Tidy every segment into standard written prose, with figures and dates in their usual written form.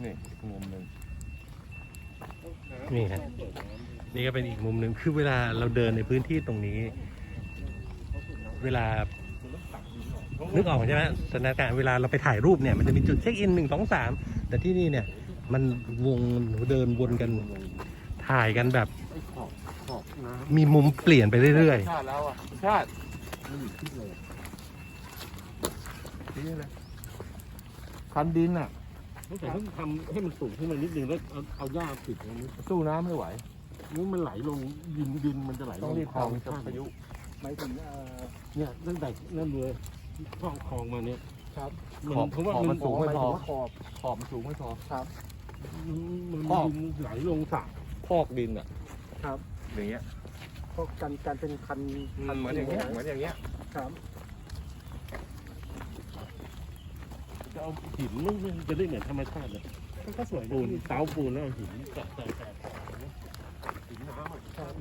นี่อีกมุมหนึ่งนี่ฮะนี่ก็เป็นอีกมุมหนึ่งคือเวลาเราเดินในพื้นที่ตรงนี้ เวลานึกออกใช่ไหมสถานการณ์เวลาเราไปถ่ายรูปเนี่ยมันจะมีจุดเช็คอิน1 2 3แต่ที่นี่เนี่ยมันวงเดินวนกันถ่ายกันแบบไอ้ขอบน้ำมีมุมเปลี่ยนไปเรื่อยชาติแล้วอ่ะชาติมันอยู่ที่เลยนี่เลยคันดินอ่ะแต่ต้องทำให้มันสูงขึ้นมานิดนึงแล้วเอาหญ้าปิดตรงนี้สู้น้ำไม่ไหวนี่มันไหลลงดินมันจะไหลลต้องงรีบคลองทำพายุหมายถึงเนี่ยตั้งแต่นั่นเลยคลองมาเนี่ยครับขอบเพราะว่ามันสูงไม่พอขอบขอบมันสูงไม่พอครับมันคลองดินไหลลงสระพอกดินอ่ะครับอย่างเงี้ยเพราะการเป็นคันเหมือนอย่างเงี้ยเหมือนอย่างเงี้ยครับจะเอาหินมันจะได้เหมือนธรรมชาติเลยก็สวยปูนเสาปูนแล้วเอาหินแตะหินน้ำ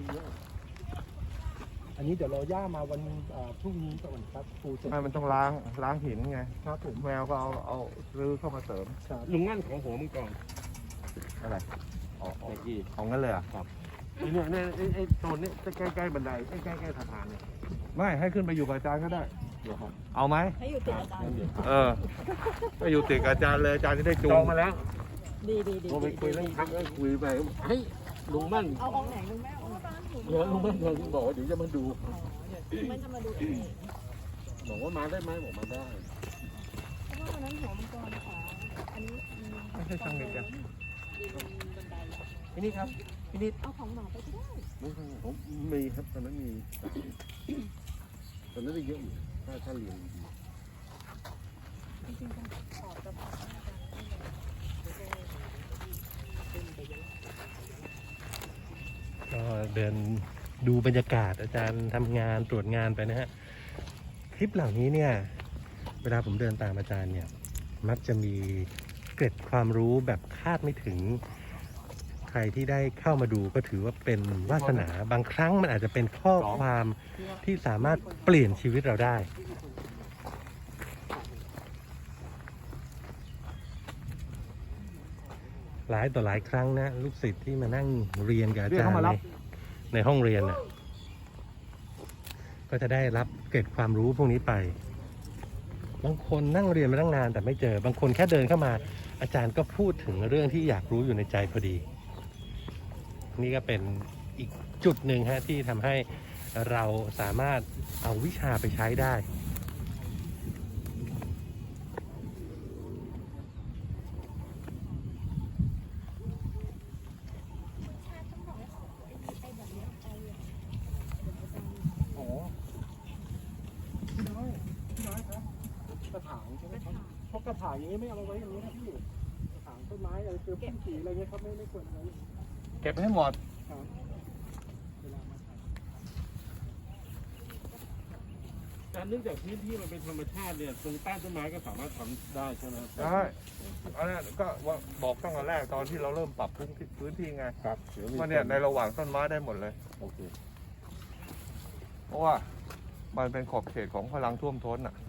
อันนี้เดี๋ยวเราย่ามาวันพรุ่งนี้ก่อนครับปูเสร็จไม่มันต้องล้างหินไงครับผมแมวก็เอารื้อเข้ามาเสริมครับลุงงั้นของหัวมังกรอะไรอ๋อเมื่อกี้ของงั้นเลยอ่ะเนี่ยไอ้โซนนี้ใกล้บันไดใกล้สะพานเนี่ยไม่ให้ขึ้นไปอยู่กับอาจารย์ก็ได้เดี๋ยวครับเอาไหมให้อยู่ติดอาจารย์เดี๋ยวไปอยู่ติดกับอาจารย์เลยอาจารย์จะได้จูจอง งมาแล้วดีโทรไปคุยเรื่องพักแล้วคุยไปเฮ้ยลุงมั่นเอาออกไหนลุงแม่เอาบ้านถูกเดี๋ยวลุงมั่นบอกว่าเดี๋ยวจะมาดูมันจะมาดูเองบอกว่ามาได้ไหมบอกมาได้เพราะว่าวันนั้นหัวมังกรค่ะอันนี้ไม่ใช่ช่างเด็กจ้ะบันไดพี่นิดครับพี่นิดเอาของหมาไปก็ได้ผมมีครับตอนนั้นมีตอนนั้นได้เยอะอยู่ถ้าเรียนดีจริงๆต้องขอจะพาอาจารย์ๆก็เดินดูบรรยากาศอาจารย์ทำงานตรวจงานไปนะฮะคลิปเหล่านี้เนี่ยเวลาผมเดินตามอาจารย์เนี่ยมักจะมีเกร็ดความรู้แบบคาดไม่ถึงใครที่ได้เข้ามาดูก็ถือว่าเป็นวาสนาบางครั้งมันอาจจะเป็นข้อความที่สามารถเปลี่ยนชีวิตเราได้หลายต่อหลายครั้งนะลูกศิษย์ที่มานั่งเรียนกับอาจารย์ในห้องเรียนน่ะก็จะได้รับเกร็ดความรู้พวกนี้ไปบางคนนั่งเรียนมาตั้งนานแต่ไม่เจอบางคนแค่เดินเข้ามาอาจารย์ก็พูดถึงเรื่องที่อยากรู้อยู่ในใจพอดีนี่ก็เป็นอีกจุดหนึ่งฮะที่ทำให้เราสามารถเอาวิชาไปใช้ได้อ๋อพี่น้อยครับกระถางใช่ไหมครับเพราะกระถางอย่างนี้ไม่เอามาไว้อย่างนี้นะพี่กระถางต้นไม้อะไรคือพุ่มสีอะไรเงี้ยครับไม่ควรเอาไว้เก็บให้หมดครับเวลามาถ่ายแต่เนื่องจากพื้นที่มันเป็นธรรมชาติเนี่ยตรงใต้ต้นไม้ก็สามารถทำได้ใช่ไหมได้อันนั้นก็บอกตั้งแต่แรกตอนที่เราเริ่มปรับพื้นที่ไงครับเดี๋ยวมีว่าเนี่ยในระหว่างต้นไม้ได้หมดเลยโอเคเพราะว่ามันเป็นขอบเขตของพลังท่วมท้นอ่ะ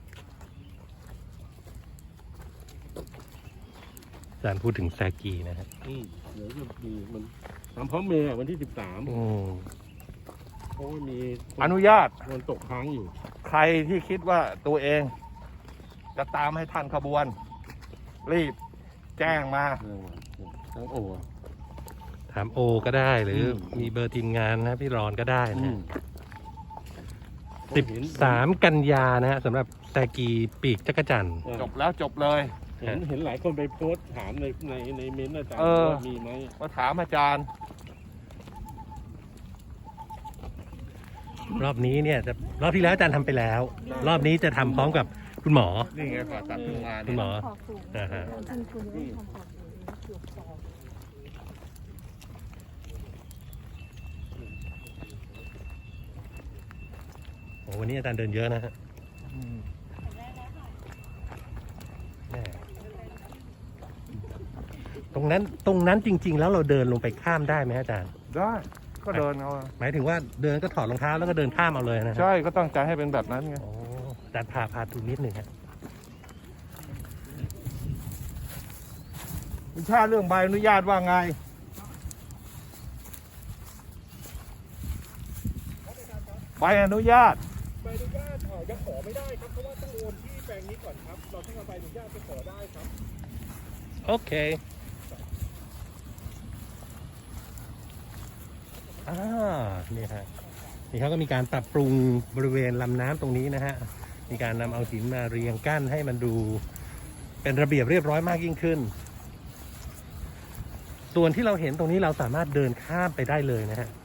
อาจารย์พูดถึงแซกีนะฮะเดี๋ยวจะมีมันทำพร้อมเมย์วันที่ 13เพราะว่ามีอนุญาตมันตกค้างอยู่ใครที่คิดว่าตัวเองจะตามให้ทันขบวน รีบแจ้งมาทั้งโอถามโอก็ได้หรือมีเบอร์ทีมงานนะพี่รอนก็ได้นะฮะ13 กันยานะฮะสำหรับแซกีปีกจักรจั่นจบแล้วจบเลยเห็นหลายคนไปโพสต์ถามในเม้นต์อาจารย์เออว่ามีไหมมาถามอาจารย์รอบนี้เนี่ยรอบที่แล้วอาจารย์ทำไปแล้ว รอบนี้จะทำพร้อมกับคุณหมอนี่ไงผ่าตัดเพิ่งมาคุณหมอขอบสูงอ่าฮะจริงคุณไม่ทำขอบสูงเกือบสองโอ้วันนี้อาจารย์เดินเยอะนะฮะแม่ตรงนั้นจริง ๆ แล้วเราเดินลงไปข้ามได้ไหมอาจารย์ได้ก็เดินเอาหมายถึงว่าเดินก็ถอดรองเท้าแล้วก็เดินข้ามเอาเลยนะฮะใช่ก็ตั้งใจให้เป็นแบบนั้นไงโอ้อาจารย์พาดูนิดหนึ่งฮะคุณชาติเรื่องใบอนุญาตว่าไง ใบอนุญาตใบอนุญาตยังขอไม่ได้ครับเพราะว่าต้องโอนที่แปลงนี้ก่อนครับ เราต้องเอาใบอนุญาตไปขอได้ครับโอเคนี่ฮะนี่เขาก็มีการปรับปรุงบริเวณลำน้ำตรงนี้นะฮะมีการนำเอาหินมาเรียงกั้นให้มันดูเป็นระเบียบเรียบร้อยมากยิ่งขึ้น ส่วนที่เราเห็นตรงนี้เราสามารถเดินข้ามไปได้เลยนะฮะ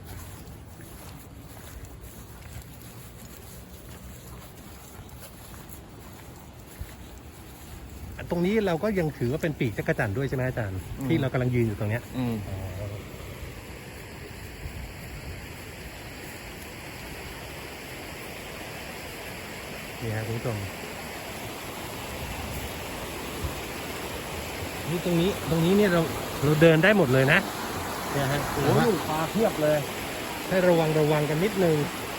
ตรงนี้เราก็ยังถือว่าเป็นปีกจักรจั่นด้วยใช่ไหมอาจารย์ที่เรากำลังยืนอยู่ตรงเนี้ยนี่ฮะคุณผู้ชมนี่ตรงนี้เนี่ยเราเดินได้หมดเลยนะเนี่ยฮะโอ้ยปลาเพียบเลยให้ระวังกันนิดนึง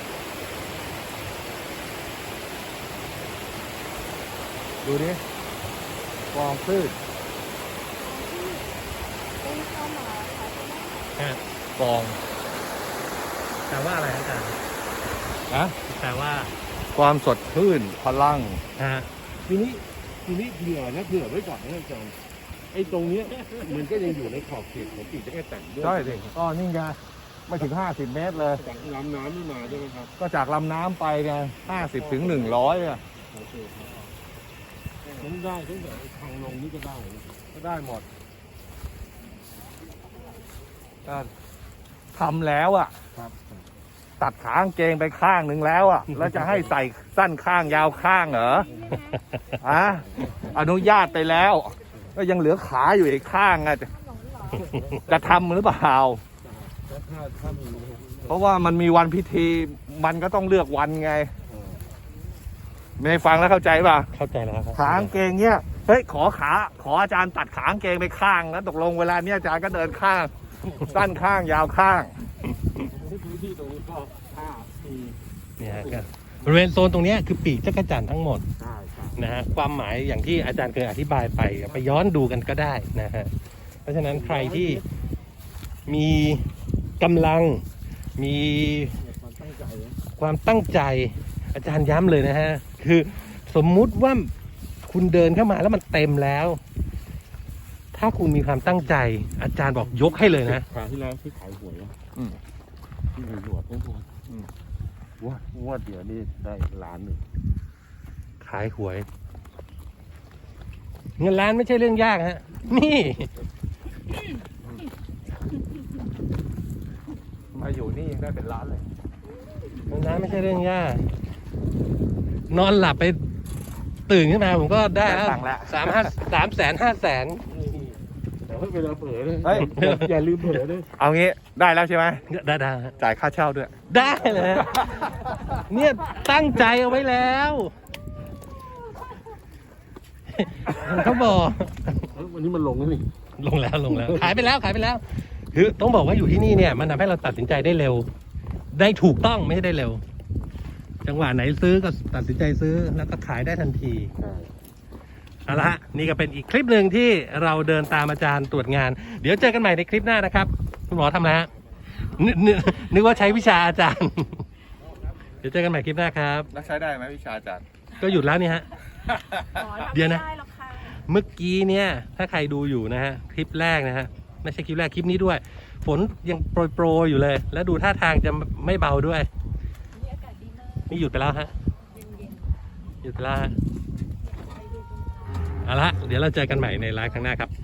ดูดิกองพืชเป็นความหมายค่ะใช่ไหมฮะกองแปลว่าอะไรอาจารย์นะแปลว่าความสดชื่นพลังฮะทีนี้เผื่อไว้ก่อนนะอาจารย์ไอ้ตรงเนี้ยมันก็ยังอยู่ในขอบเขตของปีกจักรจั่นด้วยใช่สิก็นี่ไงไม่ถึง50 เมตรเลยจากลำน้ำนี่มาใช่ไหมครับก็จากลำน้ำไปไง50 ถึง 100อ่ะโอเคครับทั้งได้ทั้งแบบทางลงนี่ก็ได้นะก็ได้หมดก็ทำแล้วอ่ะครับตัดขากางเกงไปข้างหนึ่งแล้วอ่ะ แล้วจะให้ใส่สั้นข้างยาวข้างเหรออะอนุญาตไปแล้ว ก็ยังเหลือขาอยู่อีกข้างอ่ะจะทำหรือเปล่าถ้ามีเพราะว่ามันมีวันพิธีมันก็ต้องเลือกวันไง ไม่ฟังแล้วเข้าใจป่ะเข้าใจแล้วครับขากางเกงเนี้ยเฮ้ยขออาจารย์ตัดขากางเกงไปข้างแล้วตกลงเวลาเนี้ยอาจารย์ก็เดินข้าง สั้นข้างยาวข้างพื้นที่ตรงนี้ก็5 ปีเนี่ยฮะก็บริเวณโซนตรงเนี้ยคือปีกจักรจั่นทั้งหมดใช่ครับนะฮะความหมายอย่างที่อาจารย์เคยอธิบายไปย้อนดูกันก็ได้นะฮะเพราะฉะนั้นใครที่มีกำลังมีความตั้งใจนะความตั้งใจอาจารย์ย้ำเลยนะฮะคือสมมุติว่าคุณเดินเข้ามาแล้วมันเต็มแล้ว ถ้าคุณมีความตั้งใจอาจารย์บอกยกให้เลยนะคราวที่แล้วที่ขายหวยอะอืมที่หวยหยวดทั้งหมดงวดเดียวนี่ได้ล้านหนึ่งขายหวย เงินล้านไม่ใช่เรื่องยากฮะนี่มาอยู่นี่ยังได้เป็นล้านเลยเงินล้านไม่ใช่เรื่องยาก นอนหลับไปตื่นขึ้นมาผมก็ได้แล้วได้ตังค์แล้ว 300,000 500,000 แต่ว่าเวลาเผลอเลยเฮ้ยอย่าลืมเผลอเลยเอางี้ได้แล้วใช่ไหมได้ฮะจ่ายค่าเช่าด้วยได้เลยฮะเนี่ยตั้งใจเอาไว้แล้วเขาบอกวันนี้มันลงแล้วนี่ลงแล้วขายไปแล้วคือต้องบอกว่าอยู่ที่นี่เนี่ยมันทำให้เราตัดสินใจได้เร็ว ได้ถูกต้องไม่ใช่ได้เร็ว จังหวะไหนซื้อก็ตัดสินใจซื้อแล้วก็ขายได้ทันทีเอาละฮะนี่ก็เป็นอีกคลิปหนึ่งที่เราเดินตามอาจารย์ตรวจงาน เดี๋ยวเจอกันใหม่ในคลิปหน้านะครับคุณหมอทำอะไรฮะนึกว่าใช้วิชาอาจารย์ เดี๋ยวเจอกันใหม่คลิปหน้าครับแล้วใช้ได้ไหมวิชาอาจารย์ก็หยุดแล้วนี่ฮะอ๋อทำเดี๋ยวไม่นะได้หรอกค่ะเมื่อกี้เนี่ยถ้าใครดูอยู่นะฮะคลิปแรกนะฮะไม่ใช่คลิปแรกคลิปนี้ด้วย ฝนยังโปรยอยู่เลย แล้วดูท่าทางจะไม่เบาด้วยนี่อากาศดีมากนี่หยุดไปแล้วฮะเย็นหยุดไปแล้วฮะๆไปดูตรงกลางเอาละเดี๋ยวเราเจอกันใหม่ในไลฟ์ครั้งหน้าครับ